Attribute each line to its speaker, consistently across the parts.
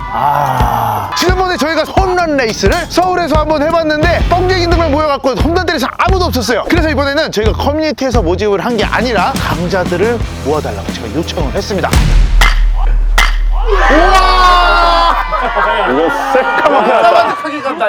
Speaker 1: 지난번에 저희가 홈런 레이스를 서울에서 한번 해봤는데 뻥쟁이들만 모여갖고 홈런 때리서 아무도 없었어요. 그래서 이번에는 저희가 커뮤니티에서 모집을 한 게 아니라 강자들을 모아달라고 제가 요청을 했습니다. 우와!
Speaker 2: 이거 새까맣게 났다.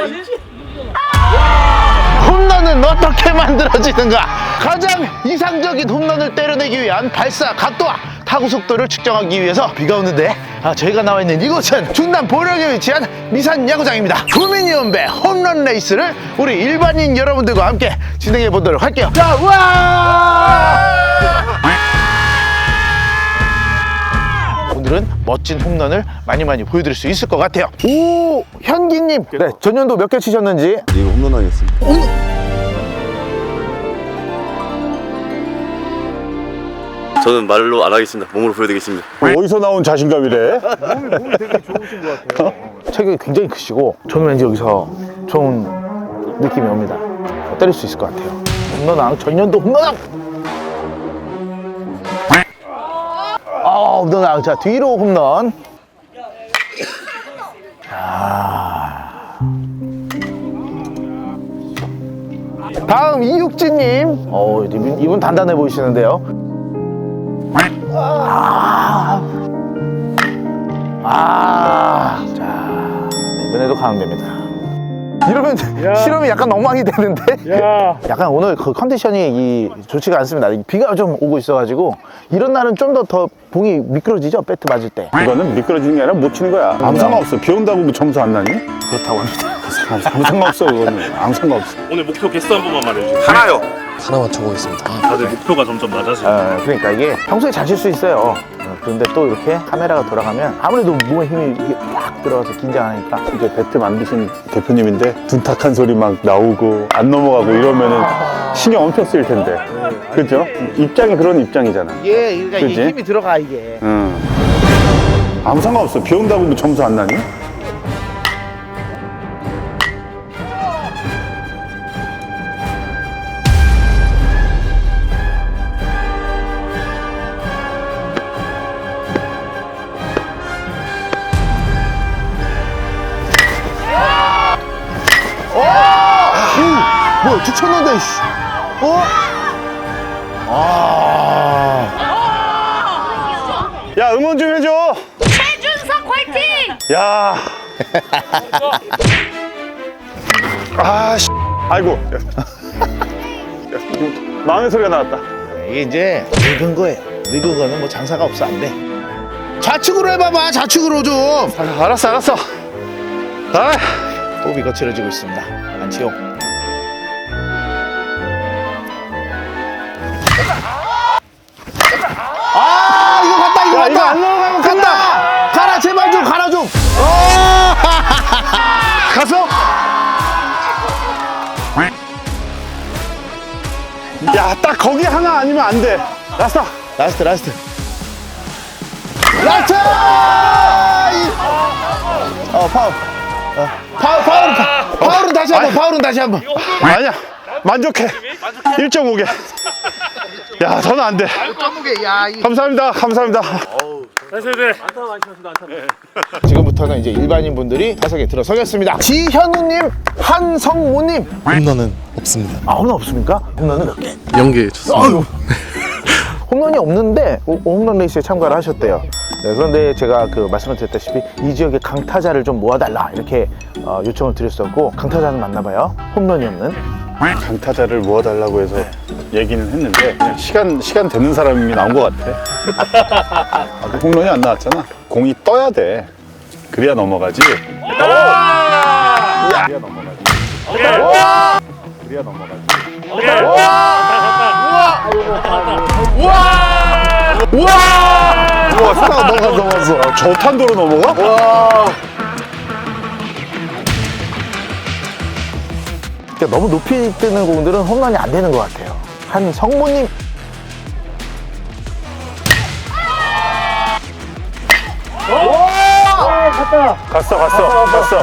Speaker 1: 홈런은 어떻게 만들어지는가? 가장 이상적인 홈런을 때려내기 위한 발사 각도와 타구 속도를 측정하기 위해서 비가 오는데 저희가 나와 있는 이곳은 충남 보령에 위치한 미산 야구장입니다. 구민이연배 홈런 레이스를 우리 일반인 여러분들과 함께 진행해 보도록 할게요. 자, 우와! 오늘은 멋진 홈런을 많이 보여드릴 수 있을 것 같아요. 오, 현기님. 네, 전년도 몇 개 치셨는지?
Speaker 3: 이거 홈런 하겠습니다.
Speaker 4: 저는 말로 안 하겠습니다. 몸으로 보여드리겠습니다.
Speaker 2: 어디서 나온 자신감이래?
Speaker 1: 몸이 되게 좋으신 것 같아요. 체격이 굉장히 크시고 저는 왠지 여기서 좋은 느낌이 옵니다. 때릴 수 있을 것 같아요. 홈런왕, 전년도 홈런왕! 홈런왕. 자, 뒤로 홈런. 다음 이육진님. 이분 단단해 보이시는데요. 자, 이번에도 가운데입니다. 이러면 실험이 약간 엉망이 되는데. 약간 오늘 그 컨디션이 좋지가 않습니다. 비가 좀 오고 있어가지고 이런 날은 좀 더 봉이 미끄러지죠? 배트 맞을 때.
Speaker 2: 이거는 미끄러지는 게 아니라 못 치는 거야. 아무 상관없어. 비 온다고 뭐 점수 안 나니?
Speaker 1: 그렇다고 합니다.
Speaker 2: 아무 상관없어, 그거는. 아무 상관없어.
Speaker 5: 오늘 목표 개수 한 번만 말해주세요.
Speaker 4: 하나요.
Speaker 3: 하나만 쳐보겠습니다.
Speaker 5: 다들 목표가 점점 낮아지고.
Speaker 1: 그러니까 이게 평소에 잘 칠 수 있어요. 그런데 또 이렇게 카메라가 돌아가면 아무래도 몸에 힘이 이게 막 들어가서 긴장하니까.
Speaker 2: 이제 배트 만드신 대표님인데 둔탁한 소리 막 나오고 안 넘어가고 이러면은 신경 엄청 쓰일 텐데. 그죠? 입장이 그런 입장이잖아.
Speaker 1: 이게 그러니까
Speaker 2: 그치?
Speaker 1: 이게 힘이 들어가 이게.
Speaker 2: 응. 아무 상관없어. 비 온다고 뭐 점수 안 나니?
Speaker 1: 뭐야, 툭 쳤는데, 씨.
Speaker 2: 야, 응원 좀 해줘.
Speaker 6: 최준석 화이팅!
Speaker 2: 야. 씨. 아이고. 마음의 소리가 나왔다.
Speaker 1: 이게 이제 늙은 거예요. 늙은 거는 뭐 장사가 없어, 안 돼. 좌측으로 해봐봐, 좌측으로 좀.
Speaker 2: 알았어.
Speaker 1: 호흡이 거칠어지고 있습니다. 안치용. 이거 갔다, 이거
Speaker 2: 야,
Speaker 1: 갔다.
Speaker 2: 이거 안 넘어가면
Speaker 1: 간다. 가라, 제발 좀, 가라 좀.
Speaker 2: 갔어? 야, 딱 거기 하나 아니면 안 돼. 라스트.
Speaker 1: 라스트. 라스트! 파울은 다시 한 번, 파울은 다시 한 번.
Speaker 2: 아니야. 만족해. 1.5개. 야, 저는 안 돼. 감사합니다.
Speaker 1: 지금부터는 이제 일반인 분들이 타석에 들어서겠습니다. 지현우님, 한성모님.
Speaker 3: 홈런은 없습니다.
Speaker 1: 홈런 없습니까? 홈런은 몇 개?
Speaker 3: 0개 쳤습니다.
Speaker 1: 홈런이 없는데 홈런 레이스에 참가를 하셨대요. 네, 그런데 제가 말씀을 드렸다시피 이 지역에 강타자를 좀 모아달라 이렇게 요청을 드렸었고 강타자는 맞나봐요. 홈런이 없는.
Speaker 2: 강타자를 모아달라고 해서 얘기는 했는데 그냥 시간 되는 사람이 나온 것 같아. 홈런이 안 나왔잖아. 공이 떠야 돼. 그래야 넘어가지. 그래야 넘어가지.
Speaker 1: 우와, 사다가 넘어갔어.
Speaker 2: 저탄도로 넘어가?
Speaker 1: 와. 그러니까 너무 높이 뜨는 공들은 홈런이 안 되는 것 같아요. 한 성모님.
Speaker 2: 갔어.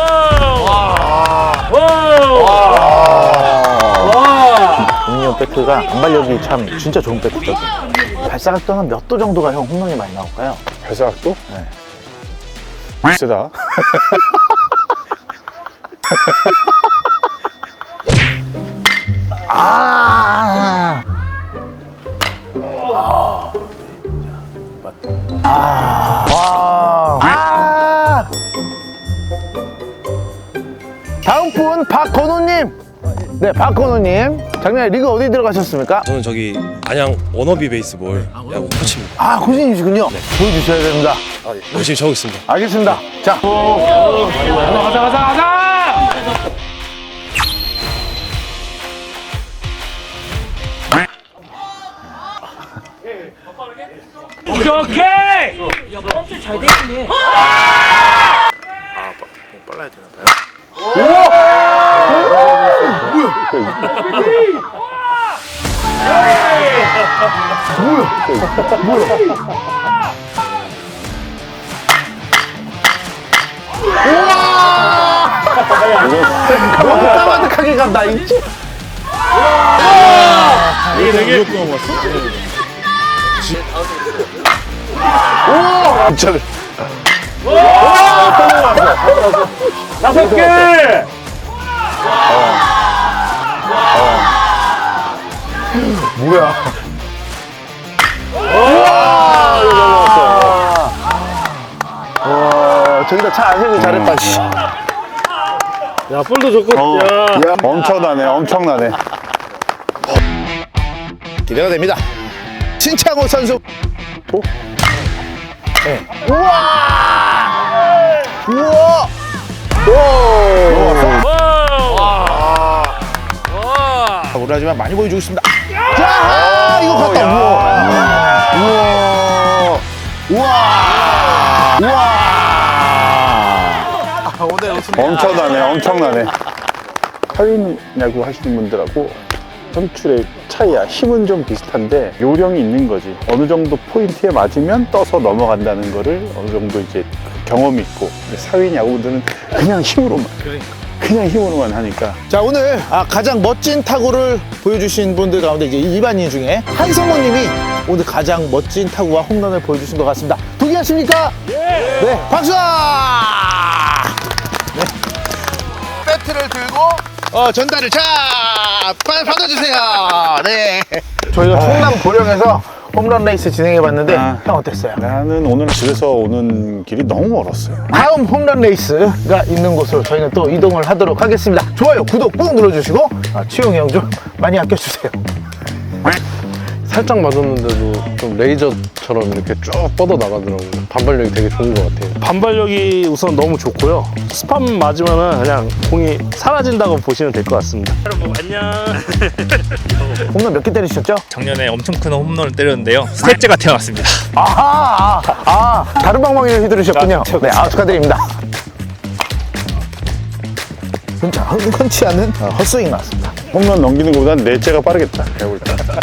Speaker 1: 공이형 백크가 반발력이 참 진짜 좋은 백크거든요. 발사각도는 몇 도 정도가 형 홈런이 많이 나올까요?
Speaker 2: 발사각도?
Speaker 1: 네.
Speaker 2: 세다.
Speaker 1: 아. 아. 다음 분 박건우님. 네, 박건우님. 작년에 리그 어디 들어가셨습니까?
Speaker 7: 저는 저기 안양 워너비 베이스볼 야구 코치입니다.
Speaker 1: 아, 고진이시군요. 네, 보여주셔야 됩니다.
Speaker 7: 열심히 쳐보겠습니다.
Speaker 1: 알겠습니다. 자. 너무 까마득하게 간다, 이지?
Speaker 5: 이게 되게
Speaker 2: 진짜.
Speaker 5: 다섯 개.
Speaker 1: 뭐야? 와, 저기다 차 안 세고 잘했다, 씨.
Speaker 5: 야, 볼도 좋고. 야.
Speaker 2: 엄청나네, 엄청나네.
Speaker 1: 기대가 됩니다. 신창호 선수. 네. 우와! 우와! 오! 오라지만 많이 보여주고 있습니다. 자, 이거 갔다. 우와! 우와! 우와! 오늘
Speaker 2: 엄청나네, 엄청나네. 사인 야구 하시는 분들하고 선출의 차이야. 힘은 좀 비슷한데 요령이 있는 거지. 어느 정도 포인트에 맞으면 떠서 넘어간다는 거를 어느 정도 이제 경험이 있고. 근데 사인 야구분들은 그냥 힘으로만. 그냥 힘으로만 하니까.
Speaker 1: 자, 오늘 가장 멋진 타구를 보여주신 분들 가운데 이제 일반인 중에 한성모님이 오늘 가장 멋진 타구와 홈런을 보여주신 것 같습니다. 동의하십니까? 네, 박수! 네. 배트를 들고 전달을 빨리 받아주세요. 네. 저희가 충남 보령에서 홈런 레이스 진행해봤는데 형 어땠어요?
Speaker 2: 나는 오늘 집에서 오는 길이 너무 멀었어요.
Speaker 1: 다음 홈런 레이스가 있는 곳으로 저희는 또 이동을 하도록 하겠습니다. 좋아요, 구독 꾹 눌러주시고 치용이 형 좀 많이 아껴주세요.
Speaker 3: 살짝 맞았는데도 좀 레이저처럼 이렇게 쭉 뻗어 나가더라고요. 반발력이 되게 좋은 것 같아요.
Speaker 5: 반발력이 우선 너무 좋고요. 스팸 맞으면은 그냥 공이 사라진다고 보시면 될 것 같습니다. 여러분 안녕.
Speaker 1: 홈런 몇 개 때리셨죠?
Speaker 8: 작년에 엄청 큰 홈런을 때렸는데요. 셋째가 태어났습니다.
Speaker 1: 다른 방망이를 휘두르셨군요. 네, 축하드립니다. 진짜 흔치 않은 헛스윙 나왔습니다.
Speaker 2: 홈런 넘기는 것보다는 넷째가 빠르겠다. 내가 볼 때.